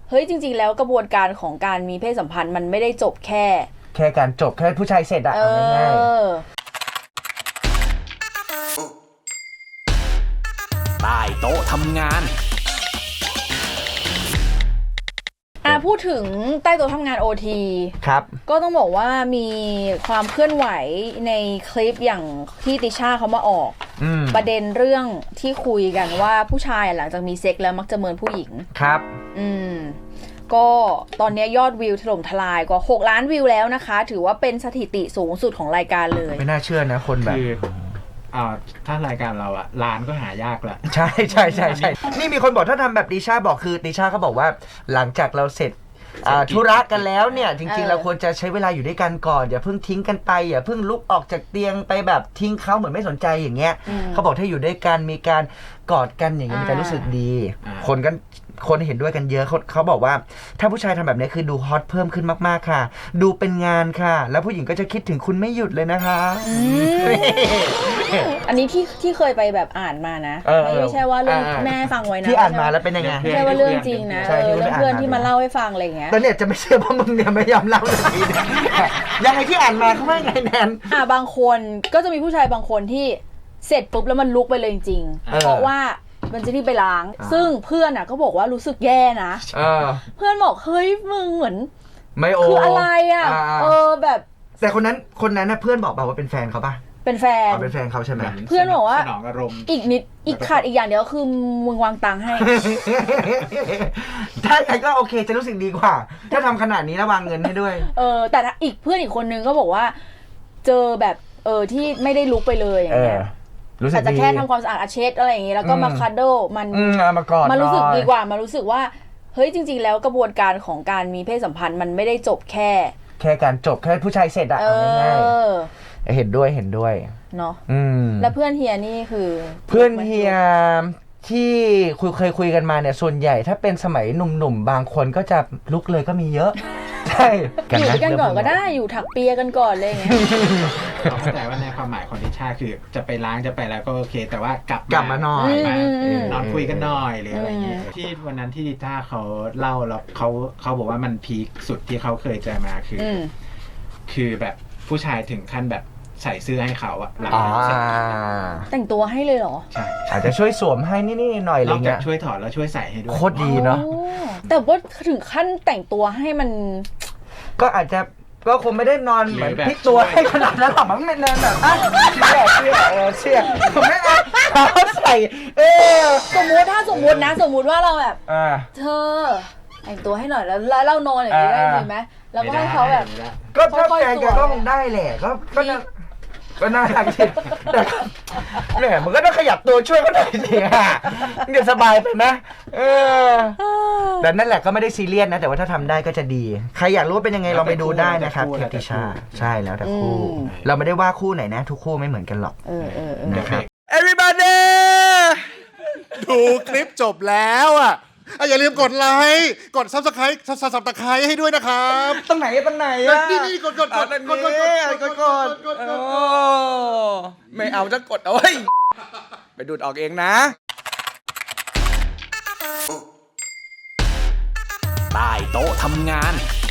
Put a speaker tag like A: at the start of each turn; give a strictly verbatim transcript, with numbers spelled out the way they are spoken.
A: เฮ้ยจริงๆแล้วกระบวนการของการมีเพศสัมพันธ์มันไม่ได้จบแค่
B: แค่การจบแค่ผู้ชายเสร็จอะเอาง่าย
C: ๆใต้โต๊ะทำงาน
A: อ่ะพูดถึงใต้โต๊ะทำงาน โอ ที
B: ครับ
A: ก็ต้องบอกว่ามีความเคลื่อนไหวในคลิปอย่างที่ติช่าเขามาออกประเด็นเรื่องที่คุยกันว่าผู้ชายหลังจากมีเซ็กแล้วมักจะเมินผู้หญิง
B: ครับ
A: อืมก็ตอนนี้ยอดวิวถล่มทลายกว่าหกล้านวิวแล้วนะคะถือว่าเป็นสถิติสูงสุดของรายการเลย
B: ไม่น่าเชื่อนะคนแบบ
D: อ่าถ้ารายการเราอะร้านก็หายากแหละ
B: ใช่ใช่ใช่ใช่นี่มีคนบอกถ้าทำแบบติช่าบอกคือติช่าเขาบอกว่าหลังจากเราเสร็จธุระกันแล้วเนี่ยจริงๆเราควรจะใช้เวลาอยู่ด้วยกันก่อนอย่าเพิ่งทิ้งกันไปอย่าเพิ่งลุกออกจากเตียงไปแบบทิ้งเขาเหมือนไม่สนใจอย่างเงี้ยเขาบอกถ้าอยู่ด้วยกันมีการกอดกันอย่างเงี้ยมันจะรู้สึกดีคนกันคนเห็นด้วยกันเยอะเขาเขาบอกว่าถ้าผู้ชายทำแบบนี้คือดูฮอตเพิ่มขึ้นมากๆค่ะดูเป็นงานค่ะแล้วผู้หญิงก็จะคิดถึงคุณไม่หยุดเลยนะคะ
A: อันนี้ที่ที่เคยไปแบบอ่านมานะไม่ใช่ว่าเรื่องแม่ฟังไว้นะ
B: ที่อ่านมาแล้วเป็นยังไง
A: ไม่ใช่ว่าเรื่องจริงนะเรื่องเพื่อนที่มาเล่าให้ฟังอะไรเงี้ย
B: ตอนเนี้ยจะไม่เชื่อว่ามึงเนี่ยไม่ยอมเล่าสักทียังไงที่อ่านมาเขาว่าไงแนน
A: อ่าบางคนก็จะมีผู้ชายบางคนที่เสร็จปุ๊บแล้วมันลุกไปเลยจริงๆเพราะว่ามันจะรีบไปล้างซึ่งเพื่อนอ่ะก็บอกว่ารู้สึกแย่นะเพื่อนบอกเฮ้ยมึงเหมือน
B: ไม่โอ
A: คืออะไรอ่ะเออแบบ
B: แต่คนนั้นคนนั้นนะเพื่อนบอกเปล่าว่าเป็นแฟนเขาป่ะ
A: เป็นแฟน
B: เป็นแฟนเขาใช่ไหม
A: เพื่อนบอกว่าอีกนิดอีกขาดอีกอย่างเดียวคือมึงวางตังค์ให้
B: ถ้าใครก็โอเคจะรู้สึกดีกว่าถ้าทำขนาดนี้แล้ววางเงินให้ด้วย
A: เออแต่อีกเพื่อนอีกคนนึงก็บอกว่าเจอแบบเออที่ไม่ได้ลุกไปเลยอย่างเงี้ยอาจจะแค่ทำความสะอาดอาเช็ดอะไรอย่างงี้แล้วก็มาคัดโดมันมันรู้สึกดีกว่ามันรู้สึกว่าเฮ้ยจริงๆแล้วกระบวนการของการมีเพศสัมพันธ์มันไม่ได้จบแค่
B: แค่การจบแค่ผู้ชายเสร็จอะเอาง่ายๆเห็นด้วยเห็นด้วย
A: เนาะแล้วเพื่อนเฮียนี่คือ
B: เพื่อนเฮียที่คุยเคยคุยกันมาเนี่ยส่วนใหญ่ถ้าเป็นสมัยหนุ่มๆบางคนก็จะลุกเลยก็มีเยอะใช่
A: อยู่กันก่อนก็ได้อยู่ถักเปียกันก่อนเลยอย่างเงี้ย
D: เข้าใจว่าในความหมายของติช่าคือจะไปล้างจะไปแล้วก็โอเคแต่ว่ากลับ
B: กลับมาหน่อย
D: นอนคุยกันหน่อยหรืออะไรเงี้ยที่วันนั้นที่ติช่าเขาเล่าแล้วเขาเขาบอกว่ามันพีคสุดที่เขาเคยเจอมาคือคือแบบผู้ชายถึงขั้นแบบใส่เสื้อให้เขาอะหลัง
A: แต่งตัวให้เลยเหรอ
B: ใช่อาจจะช่วยสวมให้นิดๆหน่อยอะไรเงี้ย
D: ช่วยถอดแล้วช่วยใส่ให้ด้วย
B: โคตรดีเนาะ
A: แต่ว่าถึงขั้นแต่งตัวให้มัน
B: ก็อาจจะก็คงไม่ได้นอนเหมือนพลิกตัวให้ขนาดนั้นหรอกมั้งไม่นอนแบบอ่ะเสื้อเออเสื้อผมไม่เอาเขาใส่เออ
A: สมมุติถ้าสมมุตินะสมมุติว่าเราแบบเธอแต่งตัวให้หน่อยแล้วเรานอนอย่างนี้ได้ไหมแล้วก็ให้เขาแบบ
B: ก็ถ้าแฟนก็คงได้แหละก็ก็ก็น่ารักจริงแต่เนี่ยมันก็ต้องขยับตัวช่วยเขาหน่อยสิฮะเดี๋ยวสบายไปนะเออแต่นั่นแหละก็ไม่ได้ซีเรียสนะแต่ว่าถ้าทำได้ก็จะดีใครอยากรู้เป็นยังไงลองไปดูได้นะครับเทปติชาใช่แล้วแต่คู่เราไม่ได้ว่าคู่ไหนนะทุกคู่ไม่เหมือนกันหรอกนะครับ
E: Everybody ดูคลิปจบแล้วอ่ะอย่าลืมกดไลค์กด Subscribe Subscribe ให้ด้วยนะครับ
B: ตรงไหนตรงไหนอ่ะ
E: นี่นี่กดกดกดกดกด
B: กดกดไม่เอาจะกดเอาไว้ไปดูดออกเองนะ
C: ใต้โต๊ะทำงาน